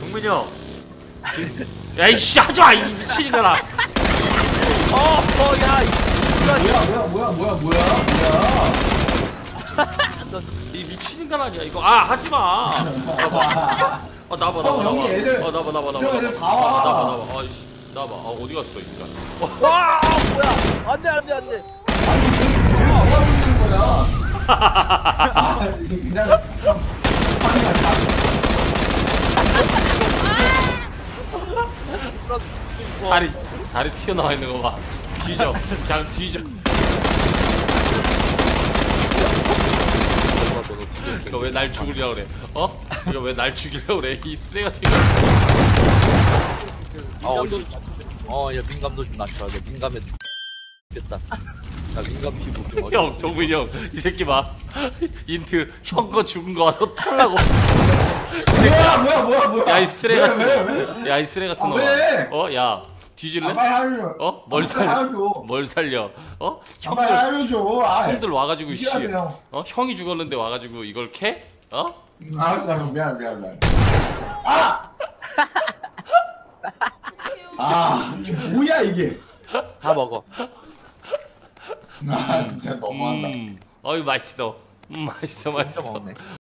동민이 형. 야이씨 하지마 이 미친놈아. 야. 뭐야. 이 미친인간 아니야 이거. 아 하지마. 나봐. 형, 여기 애들. 나봐. 형, 애들 다 와. 나봐. 아이씨 나봐. 어디 갔어 인간. 와 뭐야? 안돼. 아니 뭐가 있는 거야? 그냥 다리 튀어나와 있는 거 봐. 뒤져. 그냥 뒤져. 이거 왜 날 죽이려고 그래? 이거 왜 날 죽이려고 그래? 이 쓰레기 같은 거. 야 민감도 좀 낮춰야 돼. 민감해 죽겠다. 나 민감 피부 좀 형, 동민이 형, 이 새끼 봐. 인트 형 거 죽은 거 와서 털라고. 뭐야? 야 이 쓰레기 같은 왜? 거. 야 이 쓰레기 같은 거. 왜? 야 뒤질래? 빨리 하려줘. 뭘 살려? 하려줘. 뭘 살려? 빨리 하려줘. 형들 와가지고 씨. 이겨야 돼요. 형이 죽었는데 와가지고 이걸 캐? 알았어, 미안. 이게 뭐야 이게? 다 먹어. 진짜 너무한다. 어이 맛있어. 맛있어. 먹네.